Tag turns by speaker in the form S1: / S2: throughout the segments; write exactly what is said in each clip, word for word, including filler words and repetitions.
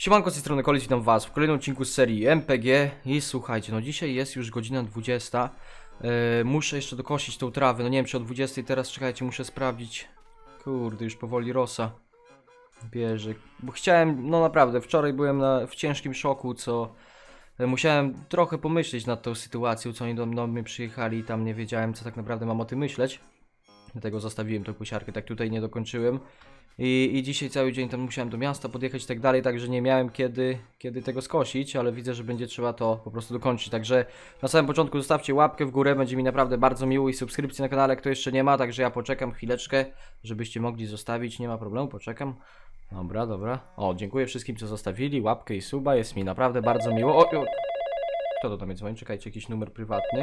S1: Siemanko, z tej strony Kolis, witam was w kolejnym odcinku z serii M P G. I słuchajcie, no dzisiaj jest już godzina dwudziesta. yy, Muszę jeszcze dokosić tą trawę, no nie wiem czy o dwudziestej teraz, czekajcie, muszę sprawdzić. Kurde, już powoli rosa bierze, bo chciałem, no naprawdę, wczoraj byłem na, w ciężkim szoku, co yy, musiałem trochę pomyśleć nad tą sytuacją, co oni do, do mnie przyjechali i tam nie wiedziałem, co tak naprawdę mam o tym myśleć. Dlatego zostawiłem tą kosiarkę, tak tutaj nie dokończyłem. I, I dzisiaj cały dzień tam musiałem do miasta podjechać i tak dalej, także nie miałem kiedy, kiedy tego skosić, ale widzę, że będzie trzeba to po prostu dokończyć. Także na samym początku zostawcie łapkę w górę, będzie mi naprawdę bardzo miło, i subskrypcję na kanale, kto jeszcze nie ma, także ja poczekam chwileczkę, żebyście mogli zostawić, nie ma problemu, poczekam. Dobra, dobra. O, dziękuję wszystkim, co zostawili łapkę i suba, jest mi naprawdę bardzo miło. O, o. Kto to tam jest dzwoni? Czekajcie, jakiś numer prywatny.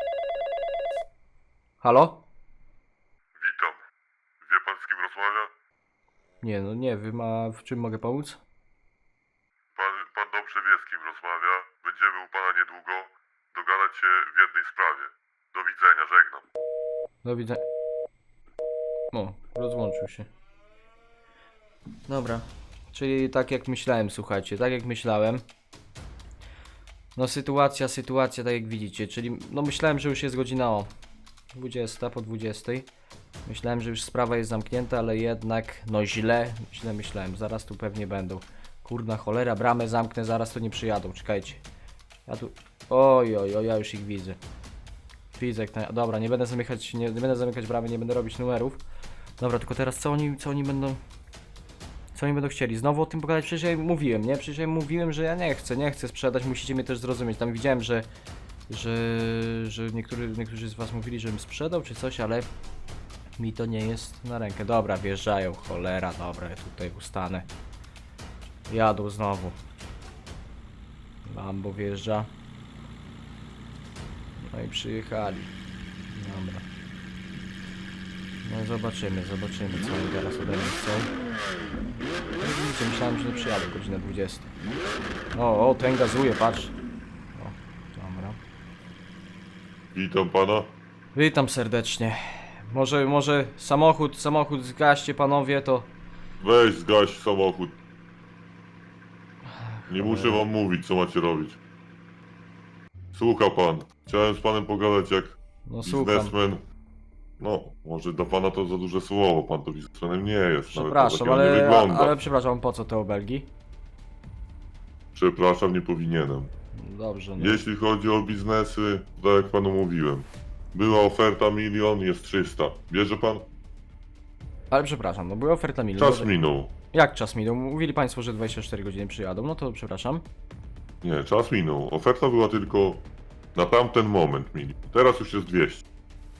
S1: Halo?
S2: Witam. Wie pan, z kim rozmawia?
S1: Nie, no nie, wy ma... w czym mogę pomóc?
S2: Pan, pan dobrze wie, z kim rozmawia. Będziemy u pana niedługo dogadać się w jednej sprawie. Do widzenia, żegnam.
S1: Do widzenia. O, rozłączył się. Dobra. Czyli tak jak myślałem, słuchajcie, tak jak myślałem. No sytuacja, sytuacja, tak jak widzicie, czyli no myślałem, że już jest godzina o dwudziesta, po dwudziestej. Myślałem, że już sprawa jest zamknięta, ale jednak, no źle, źle myślałem, zaraz tu pewnie będą. Kurna cholera, bramę zamknę, zaraz to nie przyjadą, czekajcie. Ja tu, oj, oj, oj, ja już ich widzę. Widzę, jak na... dobra, nie będę zamykać, nie, nie będę zamykać bramy, nie będę robić numerów. Dobra, tylko teraz co oni, co oni będą... Co oni będą chcieli? Znowu o tym pogadać? Przecież ja im mówiłem, nie? Przecież ja im mówiłem, że ja nie chcę, nie chcę sprzedać, musicie mnie też zrozumieć. Tam widziałem, że... Że... Że niektórzy, niektórzy z was mówili, żebym sprzedał czy coś, ale... Mi to nie jest na rękę. Dobra, wjeżdżają, cholera, dobra, ja tutaj ustanę. Jadą znowu. Lambo wjeżdża. No i przyjechali. Dobra. No zobaczymy, zobaczymy, co oni teraz ode mnie chcą. No widzicie, myślałem, że nie przyjadę godzinę dwudziesta. O, o, ten gazuje, patrz. O, dobra.
S2: Witam pana.
S1: Witam serdecznie. Może, może samochód, samochód zgaście panowie, to...
S2: Weź zgaś samochód. Nie muszę wam mówić, co macie robić. Słucha pan. Chciałem z panem pogadać jak
S1: No słucham.
S2: biznesmen. No, może dla pana to za duże słowo, pan to biznesmenem nie jest. Nawet
S1: Przepraszam,
S2: takiego nie
S1: ale,
S2: wygląda.
S1: ale przepraszam, po co te obelgi?
S2: Przepraszam, nie powinienem.
S1: Dobrze, no.
S2: Jeśli chodzi o biznesy, tak jak panu mówiłem. Była oferta milion, jest trzysta. Bierze pan?
S1: Ale przepraszam, no była oferta milion.
S2: Czas minął.
S1: Jak czas minął? Mówili państwo, że dwadzieścia cztery godziny przyjadą, no to przepraszam.
S2: Nie, czas minął. Oferta była tylko na tamten moment milion. Teraz już jest dwieście.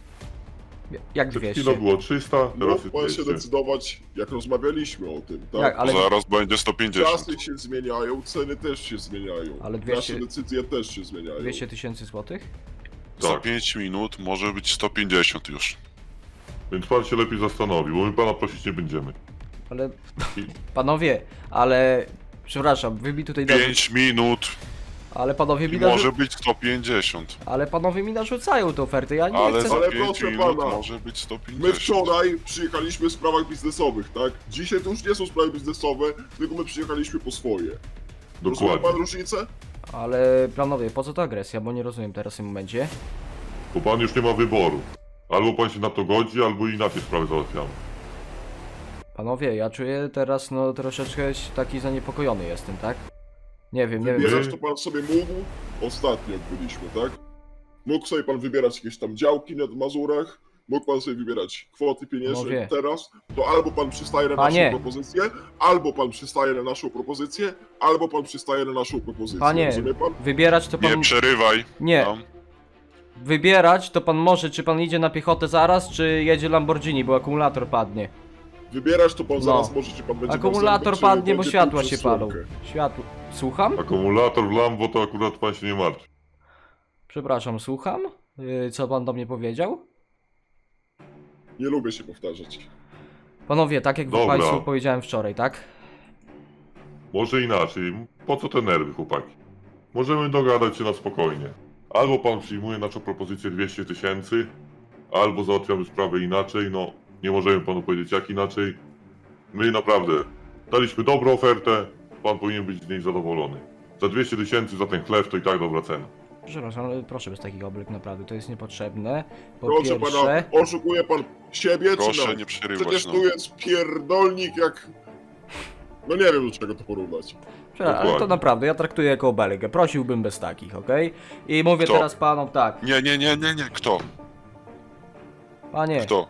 S1: Jak
S2: Przed
S1: dwieście?
S2: chwilą było trzysta, teraz
S3: Mógł
S2: jest
S3: pan się
S2: dwieście.
S3: decydować, jak rozmawialiśmy o tym, tak?
S1: Jak, ale,
S4: Zaraz będzie sto pięćdziesiąt.
S3: Czasy się zmieniają, ceny też się zmieniają.
S1: Ale dwieście
S3: Nasze decyzje też się zmieniają.
S1: dwieście tysięcy złotych?
S4: Za
S2: Tak.
S4: pięć minut może być sto pięćdziesiąt już.
S2: Więc pan się lepiej zastanowi, bo my pana prosić nie będziemy.
S1: Ale...
S2: I-
S1: Panowie, ale... Przepraszam, wy mi tutaj... narzu-
S4: pięć minut
S1: Ale panowie mi
S4: i
S1: narzu...
S4: może być sto pięćdziesiąt.
S1: Ale panowie mi narzucają tę ofertę, ja nie
S4: Ale
S1: chcę...
S4: za
S3: Ale
S4: pięć
S3: proszę
S4: minut
S3: pana,
S4: może być sto
S3: My
S4: pięćdziesiąt.
S3: wczoraj przyjechaliśmy w sprawach biznesowych, tak? Dzisiaj to już nie są sprawy biznesowe, tylko my przyjechaliśmy po swoje. Rozumie pan
S2: Dokładnie.
S3: różnicę?
S1: Ale panowie, po co ta agresja? Bo nie rozumiem teraz w tym momencie.
S2: Bo pan już nie ma wyboru. Albo pan się na to godzi, albo inaczej sprawy załatwiamy.
S1: Panowie, ja czuję teraz, no troszeczkę taki zaniepokojony jestem, tak? Nie wiem, nie wiem.
S3: Wybierać to pan sobie mógł ostatnio, jak byliśmy, tak? Mógł sobie pan wybierać jakieś tam działki na Mazurach, mógł pan sobie wybierać kwoty pieniężne
S1: Panowie.
S3: teraz, to albo pan przystaje na
S1: Panie.
S3: naszą propozycję, albo pan przystaje na naszą propozycję, albo pan przystaje na naszą propozycję.
S1: Panie,
S3: Rozumie pan?
S1: wybierać to pan...
S4: Nie przerywaj.
S1: Nie.
S4: No.
S1: Wybierać to pan może, czy pan idzie na piechotę zaraz, czy jedzie Lamborghini, bo akumulator padnie.
S3: Wybierać to pan
S1: No.
S3: zaraz może, czy pan będzie miał
S1: Akumulator
S3: zęby, czy
S1: padnie, bo
S3: będzie
S1: światła
S3: pił
S1: się
S3: przez
S1: palą.
S3: słomkę.
S1: Światło... Słucham?
S2: Akumulator w Lambo to akurat pan się nie martwi.
S1: Przepraszam, słucham? Yy, co pan do mnie powiedział?
S3: Nie lubię się powtarzać.
S1: Panowie, tak jak
S2: Dobra.
S1: państwu powiedziałem wczoraj, tak?
S2: Może inaczej. Po co te nerwy, chłopaki? Możemy dogadać się na spokojnie. Albo pan przyjmuje naszą propozycję dwieście tysięcy, albo załatwiamy sprawę inaczej. No, nie możemy panu powiedzieć jak inaczej. My naprawdę daliśmy dobrą ofertę. pan powinien być z niej zadowolony. Za dwieście tysięcy za ten chleb to i tak dobra cena.
S1: Przepraszam, ale proszę bez takich obelg, naprawdę, to jest niepotrzebne. Po
S3: Proszę
S1: pierwsze...
S3: pana, oszukuje pan siebie czy
S4: Proszę
S3: nas?
S4: nie przerywać,
S3: Przecież
S4: no.
S3: tu jest pierdolnik jak... No nie wiem, do czego to porównać.
S1: Przepraszam, ale to
S2: Dokładnie.
S1: naprawdę, ja traktuję jako obelgę. Prosiłbym bez takich, okej? I mówię
S4: Kto?
S1: teraz panom tak.
S4: Nie, nie, nie, nie, nie. Kto?
S1: Panie,
S4: Kto?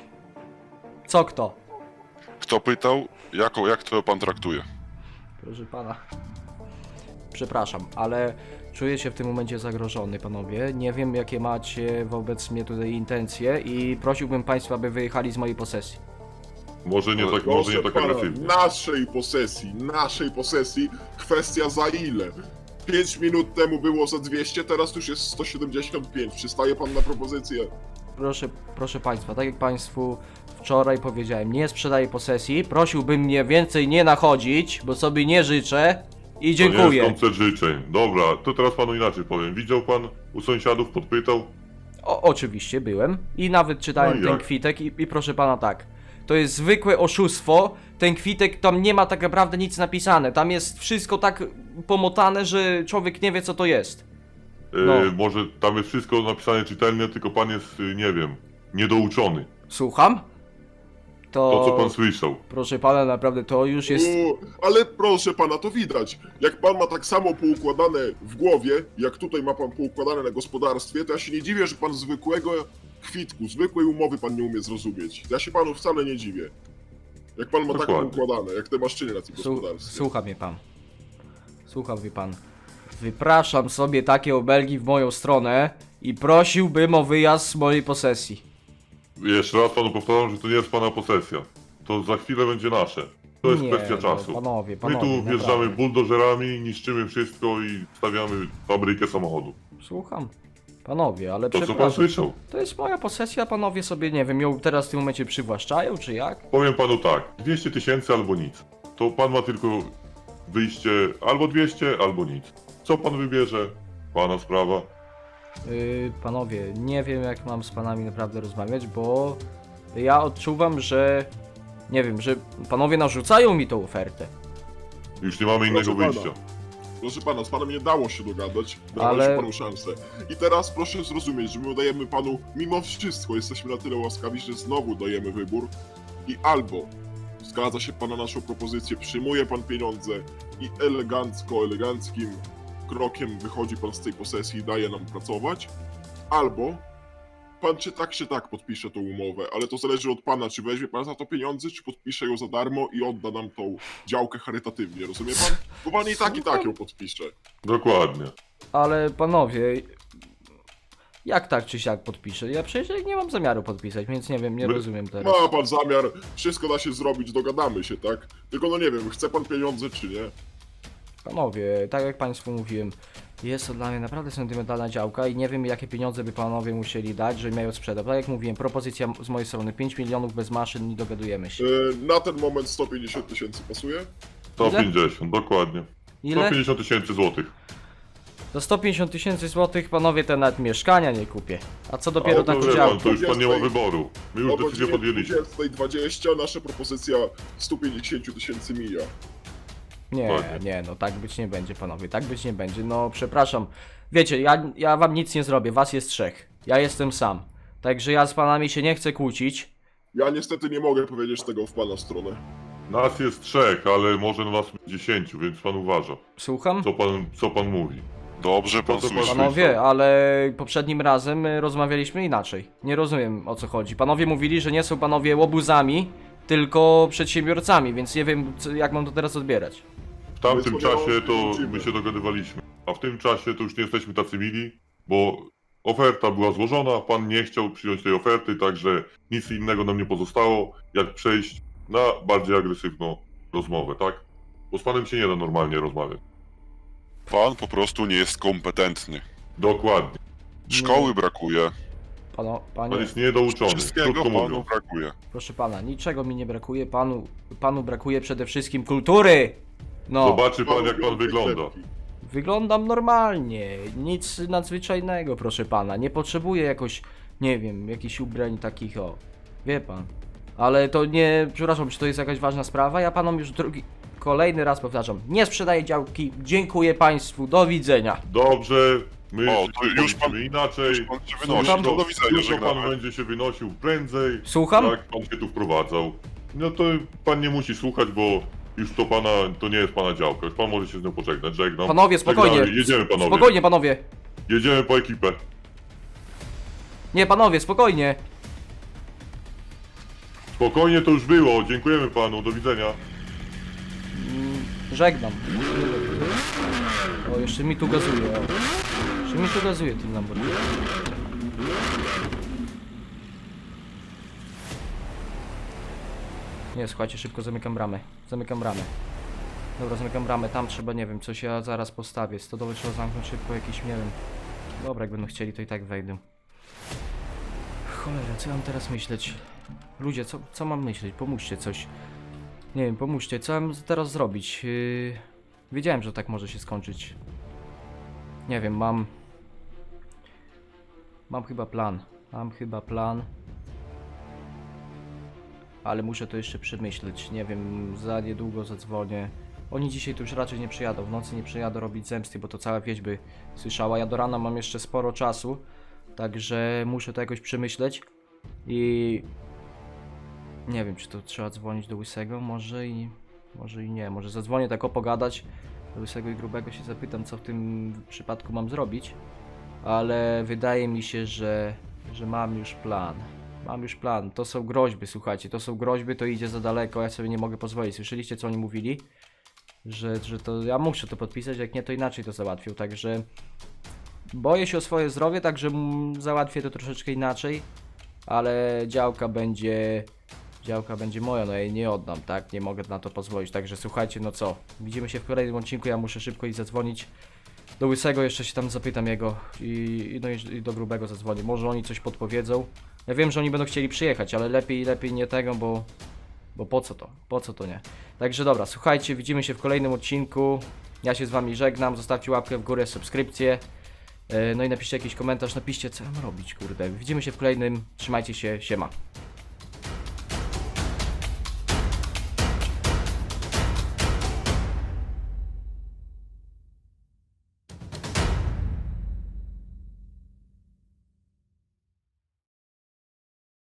S1: co kto?
S4: Kto pytał? Jako, jak to pan traktuje?
S1: Proszę pana. Przepraszam, ale czuję się w tym momencie zagrożony, panowie. Nie wiem, jakie macie wobec mnie tutaj intencje i prosiłbym państwa, aby wyjechali z mojej posesji.
S2: Może nie tak, może
S3: Proszę
S2: nie tak
S3: pana,
S2: agresywnie.
S3: naszej posesji, naszej posesji, kwestia za ile? pięć minut temu było za dwieście, teraz już jest sto siedemdziesiąt pięć. Przystaje pan na propozycję?
S1: Proszę, proszę państwa, tak jak państwu wczoraj powiedziałem, nie sprzedaję posesji. Prosiłbym mnie więcej nie nachodzić, bo sobie nie życzę. I
S2: To nie
S1: dziękuję.
S2: jest koncert życzeń. Dobra, to teraz panu inaczej powiem. Widział pan u sąsiadów, podpytał?
S1: O, oczywiście byłem i nawet czytałem
S2: No i
S1: ten
S2: jak?
S1: kwitek i, i proszę pana tak. To jest zwykłe oszustwo. Ten kwitek, tam nie ma tak naprawdę nic napisane. Tam jest wszystko tak pomotane, że człowiek nie wie co to jest.
S2: Yy,
S1: No.
S2: Może tam jest wszystko napisane czytelnie, tylko pan jest, yy, nie wiem, niedouczony.
S1: Słucham? To,
S2: To, co pan słyszał.
S1: proszę pana, naprawdę to już jest...
S3: U, ale proszę pana, to widać. Jak pan ma tak samo poukładane w głowie, jak tutaj ma pan poukładane na gospodarstwie, to ja się nie dziwię, że pan zwykłego kwitku, zwykłej umowy pan nie umie zrozumieć. Ja się panu wcale nie dziwię. Jak pan ma tak
S2: Dokładnie.
S3: poukładane, jak te maszczyny na tym
S1: Słu-
S3: gospodarstwie.
S1: słucha mnie pan. Słucha mnie pan. Wypraszam sobie takie obelgi w moją stronę i prosiłbym o wyjazd z mojej posesji.
S2: Jeszcze raz panu powtarzam, że to nie jest pana posesja. To za chwilę będzie nasze. To jest
S1: Nie,
S2: kwestia
S1: no,
S2: czasu.
S1: panowie,
S2: My
S1: panowie,
S2: tu wjeżdżamy
S1: naprawdę.
S2: buldożerami, niszczymy wszystko i stawiamy fabrykę samochodu.
S1: Słucham. Panowie, ale
S2: To co pan
S1: przepraszam.
S2: słyszał?
S1: To jest moja posesja, panowie sobie, nie wiem, ją teraz w tym momencie przywłaszczają, czy jak?
S2: Powiem panu tak, dwieście tysięcy albo nic. To pan ma tylko wyjście albo dwieście, albo nic. Co pan wybierze? Pana sprawa.
S1: Yy, panowie, nie wiem jak mam z panami naprawdę rozmawiać, bo ja odczuwam, że... Nie wiem, że panowie narzucają mi tą ofertę.
S2: Już nie mamy innego
S3: Proszę pana.
S2: wyjścia.
S3: Proszę pana, z panem nie dało się dogadać,
S1: Ale-
S3: dawaliśmy panu szansę. I teraz proszę zrozumieć, że my dajemy panu, mimo wszystko, jesteśmy na tyle łaskawi, że znowu dajemy wybór i albo zgadza się pan na naszą propozycję, przyjmuje pan pieniądze i elegancko, eleganckim krokiem wychodzi pan z tej posesji i daje nam pracować, albo pan czy tak, czy tak podpisze tą umowę, ale to zależy od pana, czy weźmie pan za to pieniądze, czy podpisze ją za darmo i odda nam tą działkę charytatywnie, rozumie pan? Bo pan i tak, i tak ją podpisze.
S2: Dokładnie.
S1: Ale panowie... Jak tak czy siak podpiszę? Ja przecież nie mam zamiaru podpisać, więc nie wiem, nie
S2: My-
S1: rozumiem teraz.
S3: Ma pan zamiar, wszystko da się zrobić, dogadamy się, tak? Tylko no nie wiem, chce pan pieniądze czy nie?
S1: Panowie, tak jak państwu mówiłem, jest to dla mnie naprawdę sentymentalna działka i nie wiem jakie pieniądze by panowie musieli dać, żeby ją sprzedać. Tak jak mówiłem, propozycja z mojej strony pięć milionów bez maszyn i dogadujemy się.
S3: Yy, na ten moment sto pięćdziesiąt tysięcy pasuje?
S2: sto
S1: Ile?
S2: pięćdziesiąt, dokładnie.
S1: Ile?
S2: sto pięćdziesiąt tysięcy złotych.
S1: Za sto pięćdziesiąt tysięcy złotych panowie te nawet mieszkania nie kupię. A co dopiero
S2: A to
S1: taką
S2: wie pan,
S1: działkę?
S2: to już pan nie ma
S3: dwudziestej
S2: wyboru. My już
S3: O
S2: decyzję
S3: godzinie
S2: podjęliśmy.
S3: dwudziestej dwadzieścia nasza propozycja sto pięćdziesiąt tysięcy mija.
S1: Nie,
S2: Dokładnie.
S1: nie, no tak być nie będzie panowie, tak być nie będzie. No przepraszam. Wiecie, ja, ja wam nic nie zrobię, was jest trzech. Ja jestem sam. Także ja z panami się nie chcę kłócić.
S3: Ja niestety nie mogę powiedzieć tego w pana stronę.
S2: Nas jest trzech, ale może nas być dziesięciu, więc pan uważa.
S1: Słucham?
S2: Co pan, co pan mówi?
S4: Dobrze pan
S2: To co pan-
S4: słyszy.
S1: Panowie, ale poprzednim razem y, rozmawialiśmy inaczej. Nie rozumiem o co chodzi. Panowie mówili, że nie są panowie łobuzami, tylko przedsiębiorcami, więc nie wiem co, jak mam to teraz odbierać.
S2: W tamtym
S3: My sobie
S2: czasie to
S3: rozliczymy.
S2: my się dogadywaliśmy, a w tym czasie to już nie jesteśmy tacy mili, bo oferta była złożona, pan nie chciał przyjąć tej oferty, także nic innego nam nie pozostało, jak przejść na bardziej agresywną rozmowę, tak? Bo z panem się nie da normalnie rozmawiać.
S4: Pan po prostu nie jest kompetentny.
S2: Dokładnie.
S4: Szkoły brakuje.
S1: Pano,
S2: Pan
S1: panie,
S2: jest niedouczony,
S4: Wszystkiego
S2: krótko
S4: panu
S2: mówiąc.
S4: brakuje.
S1: proszę pana, niczego mi nie brakuje, panu, panu brakuje przede wszystkim kultury. No,
S2: Zobaczy pan, jak pan
S3: Panu
S2: wygląda.
S3: klepki.
S1: wyglądam normalnie, nic nadzwyczajnego, proszę pana. Nie potrzebuję jakoś, nie wiem, jakichś ubrań takich, o, wie pan. Ale to nie, przepraszam, czy to jest jakaś ważna sprawa? Ja panom już drugi... kolejny raz powtarzam, nie sprzedaję działki, dziękuję państwu, do widzenia.
S2: Dobrze, my
S4: O, to już pan-
S2: powiedzmy inaczej.
S4: Już pan się wynosi,
S1: Słucham?
S4: to do widzenia,
S2: Jutro pan
S4: żegnamy.
S2: będzie się wynosił prędzej,
S1: Słucham?
S2: jak pan się tu wprowadzał. No to pan nie musi słuchać, bo już to pana, to nie jest pana działka. Już pan może się z nią pożegnać, żegnam.
S1: Panowie, spokojnie.
S2: Żegnamy. Jedziemy panowie.
S1: Spokojnie, panowie.
S2: Jedziemy po ekipę.
S1: Nie, panowie, spokojnie.
S2: Spokojnie to już było, dziękujemy panu, do widzenia.
S1: Żegnam. O, jeszcze mi tu gazuje. O. Jeszcze mi tu gazuje tym Lamborghini. Nie, słuchajcie, szybko zamykam bramę. Zamykam bramę. Dobra, zamykam bramę. Tam trzeba, nie wiem, coś ja zaraz postawię. Stodoły trzeba zamknąć szybko, jakiś, nie wiem. Dobra, jak będą chcieli, to i tak wejdę. Cholera, co ja mam teraz myśleć? Ludzie, co, co mam myśleć? Pomóżcie coś. Nie wiem, pomóżcie, co mam teraz zrobić? Yy... Wiedziałem, że tak może się skończyć. Nie wiem, mam... Mam chyba plan. Mam chyba plan. Ale muszę to jeszcze przemyśleć. Nie wiem, za niedługo zadzwonię. Oni dzisiaj tu już raczej nie przyjadą. W nocy nie przyjadą robić zemsty, bo to cała wieś by słyszała. Ja do rana mam jeszcze sporo czasu. Także muszę to jakoś przemyśleć. I... Nie wiem, czy to trzeba dzwonić do Łysego, może i... Może i nie, może zadzwonię tak o pogadać do Łysego i Grubego, się zapytam, co w tym przypadku mam zrobić. Ale wydaje mi się, że, że mam już plan. Mam już plan, to są groźby, słuchajcie, to są groźby, to idzie za daleko, ja sobie nie mogę pozwolić. Słyszeliście, co oni mówili? Że, że to ja muszę to podpisać, jak nie, to inaczej to załatwił, także... Boję się o swoje zdrowie, także mm, załatwię to troszeczkę inaczej. Ale działka będzie... Działka będzie moja, no ja jej nie oddam, tak? Nie mogę na to pozwolić, także słuchajcie, no co? Widzimy się w kolejnym odcinku, ja muszę szybko iść zadzwonić do Łysego, jeszcze się tam zapytam jego i, i, no i, i do Grubego zadzwonię. Może oni coś podpowiedzą. Ja wiem, że oni będą chcieli przyjechać, ale lepiej, lepiej nie tego, bo... Bo po co to? Po co to nie? Także dobra, słuchajcie, widzimy się w kolejnym odcinku. Ja się z wami żegnam, zostawcie łapkę w górę, subskrypcję. Yy, no i napiszcie jakiś komentarz, napiszcie, co mam robić, kurde. Widzimy się w kolejnym, trzymajcie się, siema.